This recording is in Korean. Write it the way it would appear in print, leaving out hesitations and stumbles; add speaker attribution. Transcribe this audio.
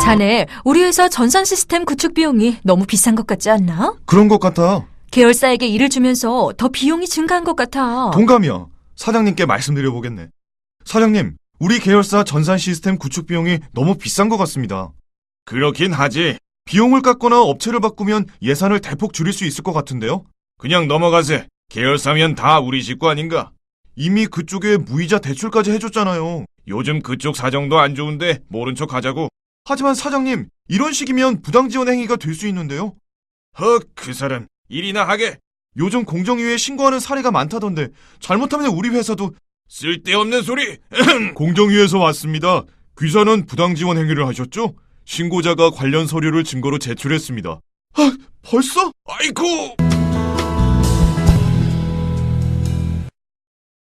Speaker 1: 자네, 우리 회사 전산 시스템 구축 비용이 너무 비싼 것 같지 않나?
Speaker 2: 그런 것 같아.
Speaker 1: 계열사에게 일을 주면서 더 비용이 증가한 것 같아.
Speaker 2: 동감이야. 사장님께 말씀드려보겠네. 사장님, 우리 계열사 전산 시스템 구축 비용이 너무 비싼 것 같습니다. 그렇긴 하지. 비용을 깎거나 업체를 바꾸면 예산을 대폭 줄일 수 있을 것 같은데요? 그냥 넘어가세. 계열사면 다 우리 식구 아닌가? 이미 그쪽에 무이자 대출까지 해줬잖아요. 요즘 그쪽 사정도 안 좋은데 모른 척 하자고. 하지만 사장님, 이런 식이면 부당지원 행위가 될 수 있는데요? 그 사람 일이나 하게. 요즘 공정위에 신고하는 사례가 많다던데 잘못하면 우리 회사도. 쓸데없는 소리. 공정위에서 왔습니다. 귀사는 부당지원 행위를 하셨죠? 신고자가 관련 서류를 증거로 제출했습니다. 벌써? 아이고.